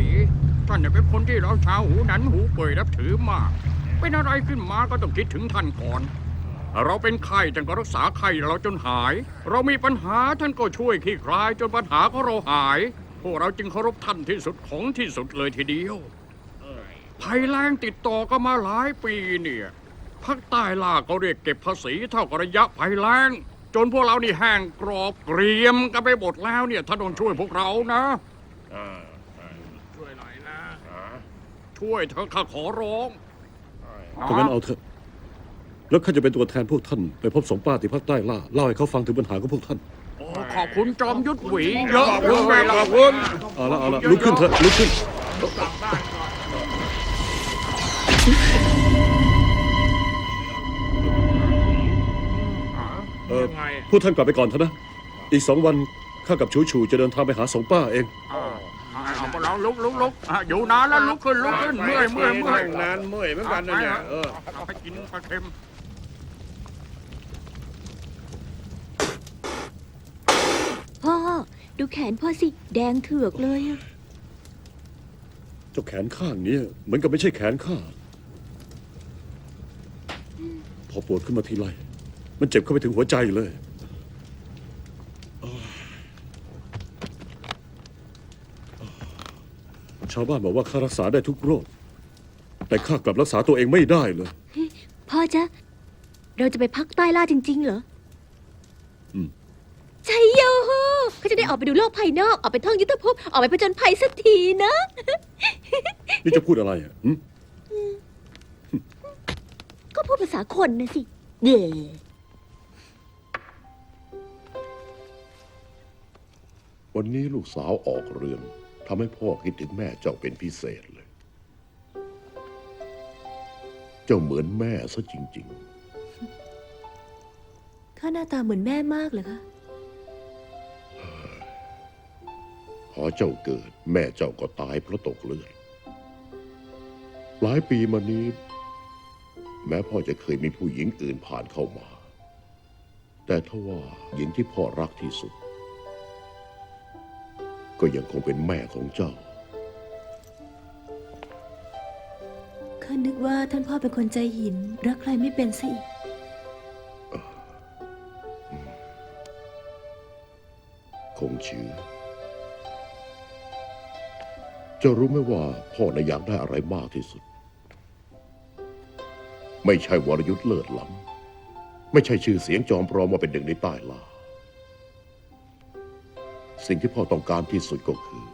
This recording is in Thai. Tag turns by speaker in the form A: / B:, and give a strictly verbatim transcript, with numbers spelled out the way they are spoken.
A: วีท่านเนี่ยเป็นคนที่เราชาวหูหนันหูเป่ยนับถือมากเป็นอะไรขึ้นมาก็ต้องคิดถึงท่านก่อนเราเป็นไข้ท่านก็รักษาไข้เราจนหายเรามีปัญหาท่านก็ช่วยคลี่คลายจนปัญหาของเราหายพวกเราจึงเคารพท่านที่สุดของที่สุดเลยทีเดียวภัยแล้งติดต่อก็มาหลายปีเนี่ยภาคใต้ล่าก็เรียกเก็บภาษีเท่ากับระยะภัยแล้งจนพวกเรานี่แห้งกรอบเกรียมกันไปหมดแล้วเนี่ยท่านต้องช่วยพวกเรานะช่วยหน่อยนะช่วยเถอะข้าขอร้อง
B: ถ้างั้นเอาเถอะแล้วข้าจะเป็นตัวแทนพวกท่านไปพบสองป้าที่ภาคใต้ล่าเล่าให้เขาฟังถึงปัญหาของพวกท่าน
A: ขอบคุณจอมยุทธหวีเยอะเลยขอบคุณ
B: เอาละเอาละลุกขึ้นเถอะลุกขึ้นเออพวกท่านกลับไปก่อนเถอะนะอีกสองวันข้ากับชูชูจะเดินทางไปหาสองป้าเอง
A: เอาพวกเราลุกลุกลุกอยู่นานแล้วลุกขึ้นลุกขึ้นเมื่อยเมื่อยเมื่อย
C: นานเมื่อยเหมือนกันนะเนี่ยเออ
A: เอาไปกินปลาเค็ม
D: พ่อดูแขนพ่อสิแดงเถือกเลยอะ
B: เจ้าแขนข้างนี้เหมือนกับไม่ใช่แขนข้าพอปวดขึ้นมาทีไรมันเจ็บเข้าไปถึงหัวใจเลยชาวบ้านบอกว่าข้ารักษาได้ทุกโรคแต่ข้ากลับรักษาตัวเองไม่ได้เลย
D: พ่อจ๊ะเราจะไปพักใต้ล่าจริงๆเหรอ
B: อืม
D: ใช่โยเขาจะได้ออกไปดูโลกภายนอกออกไปท่องยุทธภพออกไปผจญภัยสักทีนะ
B: นี่จะพูดอะไรอ่ะ
D: ก็พูดภาษาคนนะสิเย่
E: วันนี้ลูกสาวออกเรือนทำให้พ่อคิดถึงแม่เจ้าเป็นพิเศษเลยเจ้าเหมือนแม่ซะจริง
D: ๆข้าหน้าตาเหมือนแม่มากเลยคะ
E: พอเจ้าเกิดแม่เจ้าก็ตายเพราะตกเลือดหลายปีมานี้แม้พ่อจะเคยมีผู้หญิงอื่นผ่านเข้ามาแต่ทว่าหญิงที่พ่อรักที่สุดก็ยังคงเป็นแม่ของเจ้า
D: ข้านึกว่าท่านพ่อเป็นคนใจหินรักใครไม่เป็นสิ
E: คงชื่อเจ้ารู้ไหมว่าพ่อน่ะอยากได้อะไรมากที่สุดไม่ใช่วรยุทธ์เลิศล้ำไม่ใช่ชื่อเสียงจอมปลอมว่าเป็นหนึ่งในใต้ล่าสิ่งที่พ่อต้องการที่สุดก็คือ